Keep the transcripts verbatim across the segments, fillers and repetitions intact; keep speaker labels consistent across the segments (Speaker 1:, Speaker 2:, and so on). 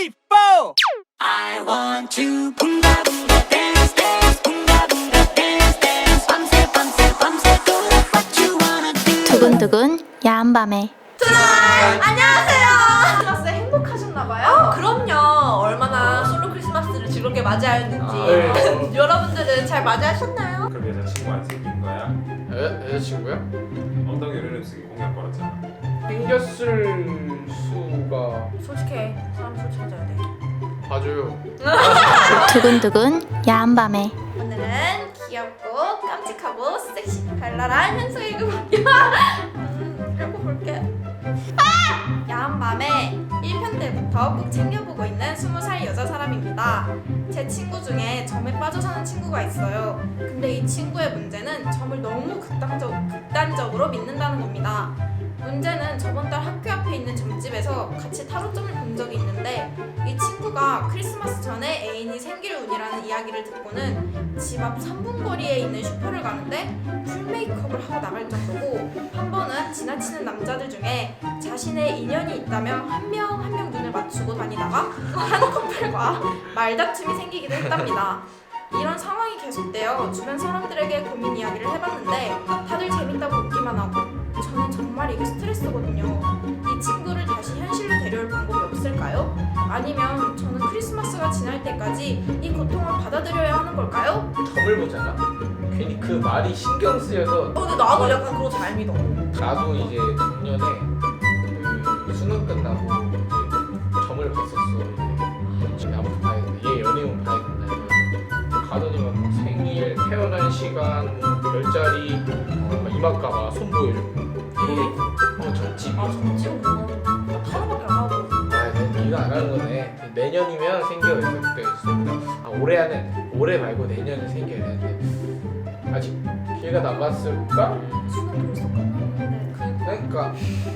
Speaker 1: three, four.
Speaker 2: I want to boonga boonga dance dance boonga boonga dance dance 밤새 밤새 밤새 do what you wanna do.
Speaker 3: 두근두근 야한 밤에
Speaker 4: 안녕하세요. 크리스마스에 행복하셨나봐요? 어, 그럼요. 얼마나 솔로 크리스마스를 즐겁게 맞이하였는지.
Speaker 5: 아, 네.
Speaker 4: 여러분들은 잘 맞이하셨나요?
Speaker 6: 그럼 여자친구 안 생긴 거야?
Speaker 5: 여, 여자친구야?
Speaker 6: 엉덩이 르름쓰기 공약 걸었잖아.
Speaker 5: 생겼을 수가
Speaker 4: 솔직해. 사람 솔직해져야 돼.
Speaker 5: 봐줘요.
Speaker 3: 두근두근 야한 밤에
Speaker 4: 오늘은 귀엽고 깜찍하고 섹시 발랄한 현수의 그 음, 읽어볼게. 아! 야한 밤에 일 편 때부터 꼭 챙겨보고 있는 스무 살 여자 사람입니다. 제 친구 중에 점에 빠져 사는 친구가 있어요. 근데 이 친구의 문제는 점을 너무 극단적, 극단적으로 믿는다는 겁니다. 문제는 저번 달 학교 앞에 있는 점집에서 같이 타로점을 본 적이 있는데 이 친구가 크리스마스 전에 애인이 생길 운이라는 이야기를 듣고는 집 앞 삼 분 거리에 있는 슈퍼를 가는데 풀 메이크업을 하고 나갈 정도고, 한 번은 지나치는 남자들 중에 자신의 인연이 있다면 한 명 한 명 눈을 맞추고 다니다가 한 커플과 말다툼이 생기기도 했답니다. 이런 상황이 계속되어 주변 사람들에게 고민 이야기를 해봤는데 다들 재밌다고 웃기만 하고, 저는 정말 이게 스트레스거든요. 이 친구를 다시 현실로 데려올 방법이 없을까요? 아니면 저는 크리스마스가 지날 때까지 이 고통을 받아들여야 하는 걸까요?
Speaker 5: 점을 보잖아. 괜히 그 말이 신경 쓰여서
Speaker 4: 어, 근데 나도 약간 그거 잘 믿어.
Speaker 5: 나도 이제 작년에 그 수능 끝나고 이제 점을 봤었어. 이제 아무튼 봐야 된다. 얘 연애운 봐야 된다. 이거. 가더니만 뭐 생일, 태어난 시간, 뭐 별자리, 어, 이마까봐 손 보여주고. 어 점집.
Speaker 4: 아, 점집은 그거 나 타로밖에 안 하고.
Speaker 5: 아, 네, 이거 안 하는 거네. 내년이면 생겨요. 그때 있습니다. 아, 올해 안에 올해 말고 내년에 생겨야 되는데 아직 기회가 남았을까?
Speaker 4: 수능 벌써 끝났는데.
Speaker 5: 그러니까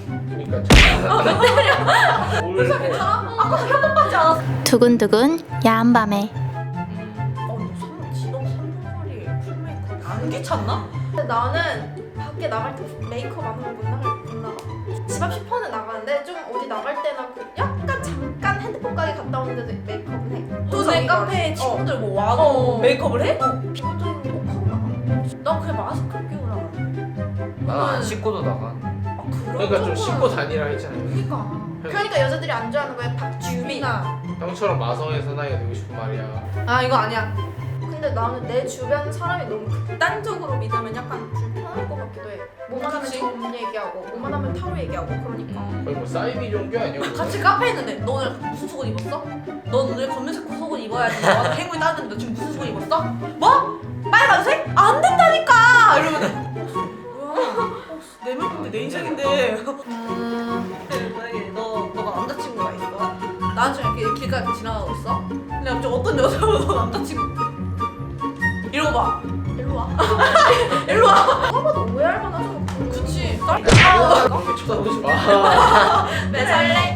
Speaker 5: 그러니까 올
Speaker 4: 아까 한번 받지 않았어?
Speaker 3: 두근두근 야한 밤에
Speaker 4: 어, 너 선물 지금 삼 분 거리에 풀 메이크업 안 귀찮나? 근데 나는 밖에 나갈 때 메이크업 안 하면 못 나갈 못 나가. 집 앞 슈퍼는 나가는데 좀 어디 나갈 때나 그 약간 잠깐 핸드폰 가게 갔다 오는데도 메이크업은 해.
Speaker 7: 동네 카페에 친구들 뭐 와도
Speaker 4: 어.
Speaker 7: 메이크업을 해?
Speaker 4: 어, 비교적인 거 꼭 하고 나가. 나 그냥 마스크 끼고 나가.
Speaker 8: 난안 씻고도 나가.
Speaker 4: 아, 그런
Speaker 5: 그러니까 좀
Speaker 4: 정도는-
Speaker 5: 씻고 다니라 했잖아요.
Speaker 4: 그러니까. 그러니까 여자들이 안 좋아하는 거야. 박주빈아.
Speaker 5: 형처럼 마성의 사나이가 되고 싶은 말이야.
Speaker 4: 아, 이거 아니야. 근데 나는 내 주변 사람이 너무 극단적으로 믿으면 약간 불편할 것 같기도 해. 뭐만 하면
Speaker 7: 그치?
Speaker 4: 점 얘기하고, 뭐만 하면 타로 얘기하고, 그러니까.
Speaker 5: 거의 뭐 사이비 종교 아니야?
Speaker 7: 같이 카페에 있는데 너 오늘 무슨 속옷 입었어? 너 오늘 검은색 속옷 입어야지. 너한테 행운이 따는데 너 지금 무슨 속옷 입었어? 뭐? 빨간색? 안 된다니까! 이러면 뭐야? 내 물건데 내 인생인데. 음, 만약에 너, 너가 남자친구가 있어. 나중에 이렇게 길가에 이렇게 지나가고 있어. 근데 갑자기 어떤 여자가 너 남자친구 이러고 봐. 일로 와. 일로 와.
Speaker 4: 아마도 오해할 만하죠.
Speaker 7: 그치.
Speaker 5: 아, 그렇게 쳐다보지 마.
Speaker 4: 왜 설레?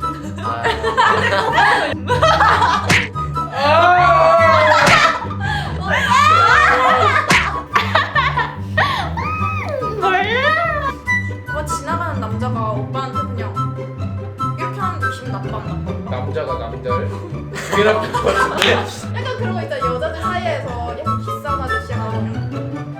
Speaker 8: 아,
Speaker 4: 뭐 지나가는 남자가 오빠한테 그냥 이렇게 하는데 기분 나빠 안 나빠?
Speaker 5: 남자가 남자를 죽이라 것 같은데.
Speaker 4: 약간 그런 거 있잖아. 여자들 사이에서 약간 기싸움 아저씨 하면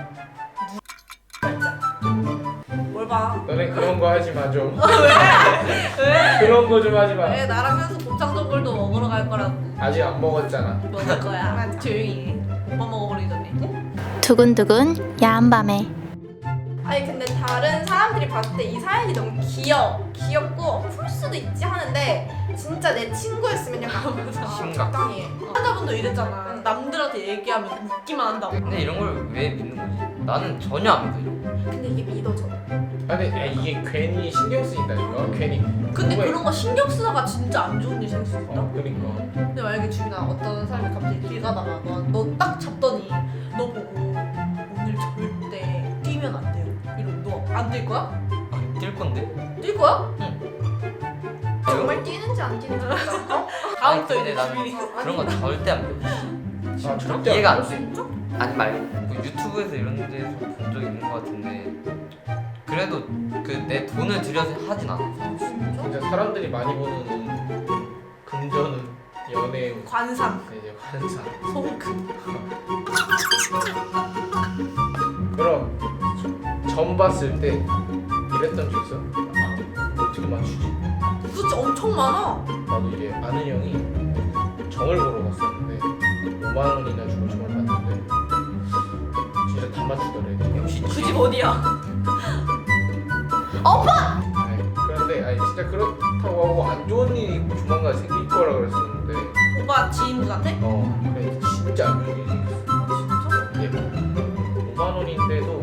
Speaker 7: 뭘 봐.
Speaker 5: 너네 그런 거 하지 마 좀.
Speaker 7: 왜?
Speaker 5: 그런 거 좀 하지 마.
Speaker 7: 왜 나랑 현수 곱창 전골도 먹으러 갈 거라고.
Speaker 5: 아직 안 먹었잖아.
Speaker 7: 먹을 거야. 조용히 해. 오빠 먹어버리기 전에.
Speaker 3: 두근두근 야한 밤에
Speaker 4: 아니 근데 다른 사람들이 봤을 때 이 사연이 너무 귀여워. 귀엽고 어, 풀 수도 있지 하는데 진짜 내 친구였으면 약간
Speaker 8: 심각.
Speaker 4: 적당히 해.
Speaker 7: 환자분도 이랬잖아. 남들한테 얘기하면 웃기만 한다고.
Speaker 8: 근데 이런 걸 왜 믿는 거지? 나는 전혀 안 믿어 이런 거.
Speaker 4: 근데 이게 믿어져.
Speaker 5: 아니 야, 이게 괜히 신경 쓰인다니까. 괜히.
Speaker 7: 근데
Speaker 5: 왜?
Speaker 7: 그런 거 신경 쓰다가 진짜 안 좋은 일 생길 수 있다.
Speaker 5: 어, 그러니까.
Speaker 7: 근데 만약에 주인아 어떤 사람이 갑자기 길 가다가 너 딱 잡더니 너 보고 오늘 절대 뛰면 안 돼요. 이러면 너 안 뛸 거야?
Speaker 8: 아, 뛸 건데?
Speaker 7: 뛸 거야?
Speaker 4: 정말 뛰는지 안 뛰는지 몰라. 어?
Speaker 7: 다음부터
Speaker 8: 근데
Speaker 7: 이제
Speaker 8: 나는
Speaker 7: 주인이
Speaker 8: 그런 건 절대 안 믿어.
Speaker 5: 아 절대
Speaker 8: 이해가
Speaker 5: 안
Speaker 8: 안 돼. 아니 말고 뭐 유튜브에서 이런 데서 본 적이 있는 것 같은데 그래도 그 내 돈을 들여서 하진 않아.
Speaker 5: 진짜 사람들이 많이 보는 금전은 연애운
Speaker 7: 관상,
Speaker 5: 이제 환상.
Speaker 7: 소금.
Speaker 5: 그럼 점 봤을 때 이랬던 적 있어? 아, 어떻게 맞추지?
Speaker 7: 그치 엄청 많아.
Speaker 5: 나도 이제 아는 형이 점을 보러 갔었는데 오만 원이나 주고 점을 봤는데 진짜 다 맞추더래.
Speaker 8: 역시
Speaker 7: 그 집 어디야?
Speaker 5: 아니, 그런데 아니 진짜 그렇다고 하고 안 좋은 일이 조만간 생길 거라 그랬었는데
Speaker 7: 오빠 지인분한테?
Speaker 5: 어 그래 진짜 안 좋은 일이 생겼어.
Speaker 7: 진짜?
Speaker 5: 이게 오만 원인데도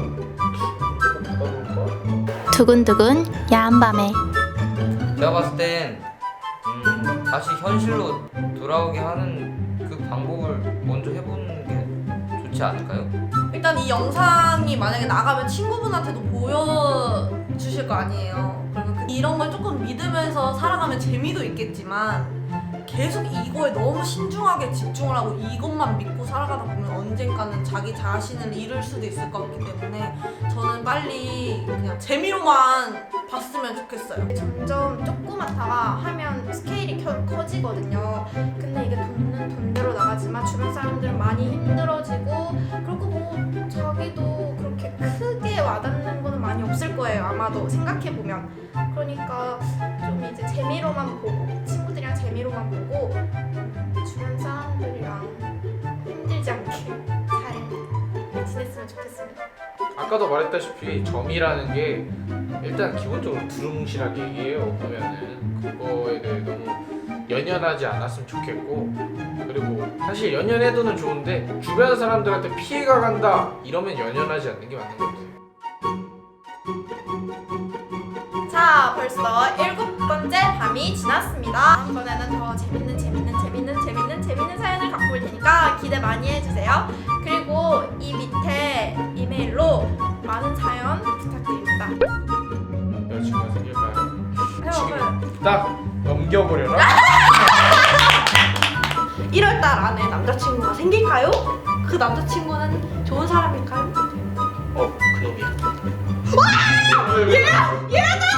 Speaker 5: 받아볼까?
Speaker 3: 두근두근 야한 밤에
Speaker 8: 제가 봤을 땐 음, 다시 현실로 돌아오게 하는 그 방법을 먼저 해보는 게 좋지 않을까요?
Speaker 7: 일단 이 영상이 만약에 나가면 친구분한테도 보여주실 거 아니에요. 그러면 그 이런 걸 조금 믿으면서 살아가면 재미도 있겠지만 계속 이거에 너무 신중하게 집중을 하고 이것만 믿고 살아가다 보면 언젠가는 자기 자신을 잃을 수도 있을 것 같기 때문에 저는 빨리 그냥 재미로만 봤으면 좋겠어요.
Speaker 4: 점점 조그맣다가 하면 스케일이 켜, 커지거든요. 근데 이게 돈은 돈대로 나가지만 주변 사람들은 많이 힘들어지고 그리고 뭐 자기도 그렇게 크게 와닿는 거는 많이 없을 거예요. 아마도 생각해보면. 그러니까 좀 이제 재미로만 보고 친구들이랑 재미로만 보고 주변 사람들이랑 힘들지 않게 잘 지냈으면 좋겠습니다.
Speaker 5: 아까도 말했다시피 점이라는 게 일단 기본적으로 두루뭉실하게 얘기해요. 보면은 그거에 대해 너무 연연하지 않았으면 좋겠고 그리고 사실 연연해도는 좋은데 주변 사람들한테 피해가 간다 이러면 연연하지 않는 게 맞는 것 같아요.
Speaker 4: 자, 벌써 일곱 번째 밤이 지났습니다. 다음번에는 더 재밌는 재밌는 재밌는 재밌는 재밌는 사연을 갖고 올 테니까 기대 많이 해주세요. 그리고 이 밑에 이메일로 많은 사연 부탁드립니다.
Speaker 5: 여자친구가 생길까요?
Speaker 4: 해봐봐요.
Speaker 5: 지금 딱 넘겨버려라.
Speaker 7: 일월 달 안에 남자친구가 생길까요? 그 남자친구는 좋은 사람일까요?
Speaker 5: 어 그놈이야.
Speaker 7: 얘야! 얘야!